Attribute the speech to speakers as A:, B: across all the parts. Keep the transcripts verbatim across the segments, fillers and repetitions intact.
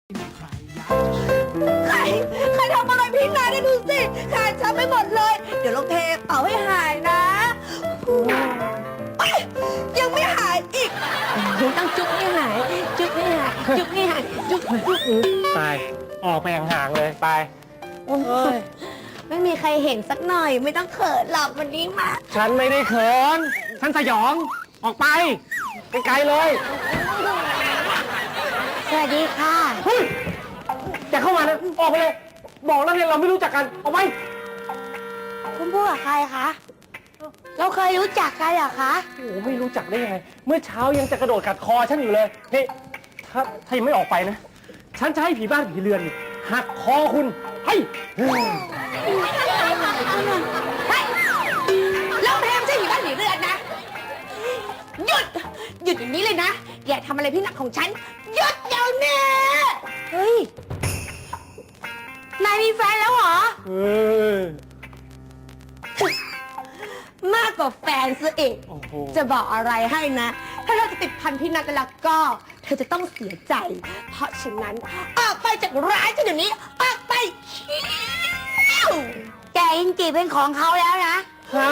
A: ใครใครทำอะไรพี่นายได้ดูสิขาดช้ำไปหมดเลย เดี๋ยวลงเทเป่าให้หายนะยังไม่หายอีกต้องจุ๊บให้หายจุ๊บให้หายจุ๊บให้หายจุ๊บจุ๊บ
B: ตายออกไปห่างๆเลยไป
A: โอ้ยไม่มีใครเห็นสักหน่อยไม่ต้องเขินหรอกวันนี้มา
B: ฉันไม่ได้เขินฉันสยองออกไปไกลๆเลย
A: สวัสดีค่ะ
B: เฮ้ยอย่าเข้ามานะออกไปเลยบอกแล้วเนี่ยเราไม่รู้จักกันออกไป
A: คุณพูดกับใครคะเราเคยรู้จักกันเหรอคะ
B: โอ้โหไม่รู้จักได้ยังไงเมื่อเช้ายังจะกระโดดกัดคอฉันอยู่เลยนี่ถ้าถ้ายังไม่ออกไปนะฉันจะให้ผีบ้านผีเรือนนี่หักคอคุณให้
A: เฮ้ยเราแพมใช่ผีบ้านผีเรือนนะหยุดหยุดอย่างนี้เลยนะอย่าทำอะไรพี่หนักของฉันหยุดเดี๋ยวนี้เฮ้ยนายมีแฟนแล้วเหรอ
B: เออ
A: มากกว่าแฟนซะอีก
B: โอ้โห
A: จะบอกอะไรให้นะ ถ้าเธอจะติดพันพี่นัทแล้วก็ เธอจะต้องเสียใจ เพราะฉะนั้น ออกไปจากร้านฉันเดี๋ยวนี้ ออกไปแกอินจีเป็นของเขาแล้วนะ
B: ฮะ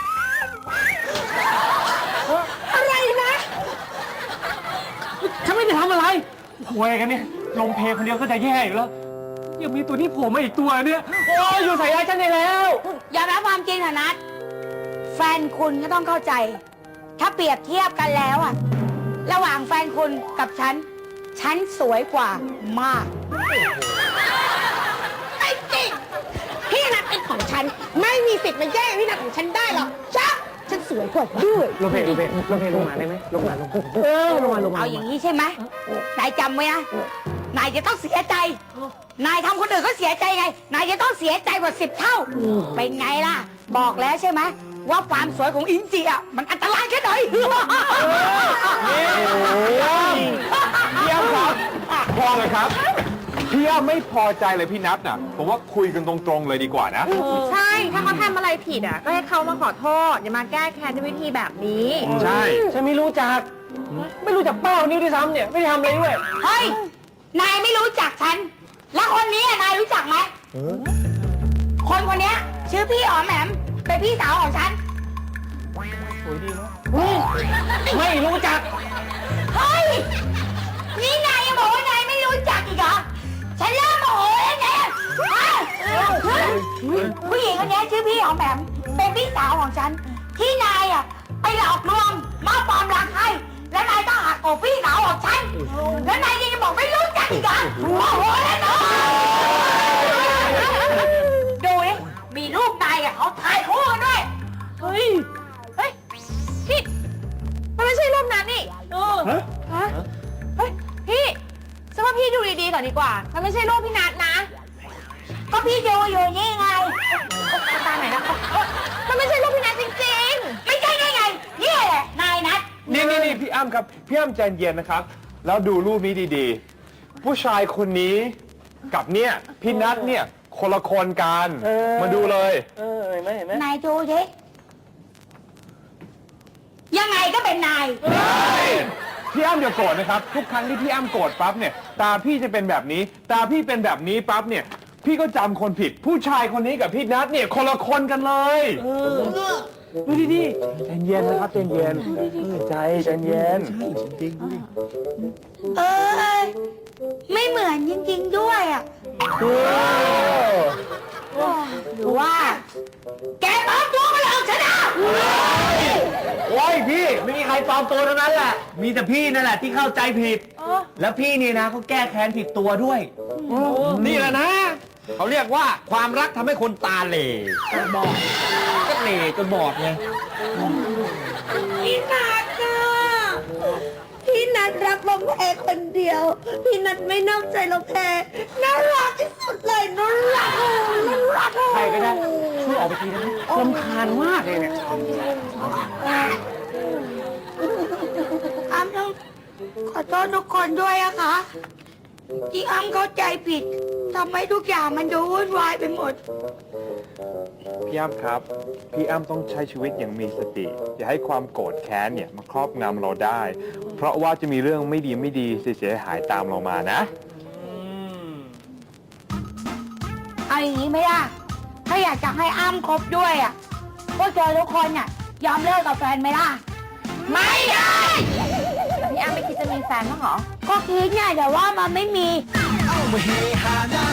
A: อะไรนะ
B: ฉันไม่ได้ทำอะไรโวยกันเนี่ยลงเพลคนเดียวก็จะแย่อยู่แล้วยังมีตัวนี้โผล่มาอีกตัวเนี่ยโอ้ยอยู่ใส่ร้ายฉันได้แล้ว
A: ยอมรับความจริงเถอะนัทแฟนคุณก็ต้องเข้าใจ ถ้าเปรียบเทียบกันแล้วอะระหว่างแฟนคุณกับฉัน ฉันสวยกว่ามากไม่จริงพี่นัทเป็นของฉัน ไม่มีสิทธิ์มาแย่งพี่นัทของฉันได้หรอกจ้ะฉันสวยกว่าด้วย
B: ลงเพลลงเพลลงเพลลงมาได้ไหมลงมาลงเออลงมาลงมา
A: เอาอย่างนี้ใช่ไหมนายจำไว้นะนายจะต้องเสียใจ นายทำคนอื่นก็เสียใจไง นายจะต้องเสียใจกว่าสิบเท่า เป็นไงล่ะ บอกแล้วใช่ไหมว่าความสวยของอินจีอ่ะมันอันตรายแค่ไหน
C: พี่อ้ำครับพอเลยครับพี่อ้ำไม่พอใจเลยพี่นัทน่ะผมว่าคุยกันตรงๆเลยดีกว่านะ
D: ใช่ ถ้าเขาทำอะไรผิดอ่ะ ก็ให้เขามาขอโทษ อย่ามาแก้แค้นด้วยวิธีแบบนี้
C: ใช่
B: ฉันไม่รู้จัก ไม่รู้จักเป้านี้ด้วยซ้ำเนี่ยไม่ได้ทำอะไรด้วย
A: เฮ้ย นายไม่รู้จักฉัน แล้วคนนี้นายรู้จักไหมคนคนนี้ชื่อพี่อ๋อมแหมมเป็นพี่สาวของฉัน
B: สวยดีเนาะไม่รู้จัก
A: เฮ้ย นี่นายยังบอกว่านายไม่รู้จักอีกเหรอ ฉันเริ่มโมโหแล้วเนี่ยผู้หญิงคนนี้ชื่อพี่อ๋อมแหมมเป็นพี่สาวของฉัน ที่นายอ่ะไปหลอกลวงมาปลอมรักให้แล้วนายต้องหักอกพี่สาวของฉัน แล้วนายยังจะบอกไม่รู้จักอีกเหรอโมโหแล้วเนาะดูดิมีรูปนายอ่ะเขาถ่ายคู่กันด้วย
D: เฮ้ย เฮ้ย พี่ มันไม่ใช่รูปนั้นนี่เออ
B: ฮะ
D: ฮะเฮ้ย พี่ฉันว่าพี่ดูดีๆก่อนดีกว่า มันไม่ใช่รูปพี่นัทนะ
A: ก็พี่ดูอยู่นี่ไง
D: ตาไหนนะเอ้ยมันไม่ใช่รูปพี่นัทจริง
A: ไม่ใช่ได้ไงนี่แหละนายนัท
C: นี่นี่นี่พี่อ้ำครับพี่อ้ำใจเย็นนะครับ แล้วดูรูปนี้ดีๆ ผู้ชายคนนี้กับเนี่ยพี่นัทเนี่ยคนละคนกันมาดูเลย
B: เออเห็นไหมเห็นไหม
A: นายดูดิยังไงก็เป็นนาย
C: พี่อ้ำอย่าโกรธนะครับ ทุกครั้งที่พี่อ้ำโกรธปั๊บเนี่ยตาพี่จะเป็นแบบนี้ ตาพี่เป็นแบบนี้ปั๊บเนี่ยพี่ก็จำคนผิด ผู้ชายคนนี้กับพี่นัทเนี่ยคนละคนกันเลย
B: ดูดีๆใจเย็นนะครับใจเย็นใจใจเย็น
A: เอ้ยไม่เหมือนจริงๆด้วยอ่ะหรือว่า แกปลอมตัวมาหลอกฉันอ่ะ
E: โอ้ยพี่ไม่มีใครปลอมตัวทั้งนั้นแหละ มีแต่พี่นั่นแหละที่เข้าใจผิด แล้วพี่นี่นะเขาแก้แค้นผิดตัวด้วย
F: นี่แหละนะ เขาเรียกว่าความรักทำให้คนตาเหล่บอดก็เหล่จนบอดไง
A: พี่นัทอ่ะพี่นัทรักลมแพคนเดียว พี่นัทไม่นอกใจลมแพน่ารักที่สุดเลยน่ารักน่ารัก
B: ใครก็ได้ช่วยออกไปทีได้ไหมรำคาญมากเลยเนี่ย
A: อ้ำต้องขอโทษทุกคนด้วยนะคะที่อ้ำเข้าใจผิดทำให้ทุกอย่างมันดูวุ่นวายไปหมด
C: พี่อ้ำครับ พี่อ้ำต้องใช้ชีวิตอย่างมีสติ อย่าให้ความโกรธแค้นเนี่ยมาครอบงำเราได้ เพราะว่าจะมีเรื่องไม่ดีไม่ดีเสียหายตามเรามานะ
B: อ
A: อย่างนี้ไหมล่ะ ถ้าอยากจะให้อ้ำคบด้วยอ่ะพวกเธอทุกคนน่ะยอมเลิกกับแฟนไหมล่ะ ไม่ได้
D: พี่อ้ำไม่คิดจะมีแฟนบ้างเหรอ
A: ก็คิดไงแต่ว่ามันไม่มี
G: เอามาเฮฮาหน้า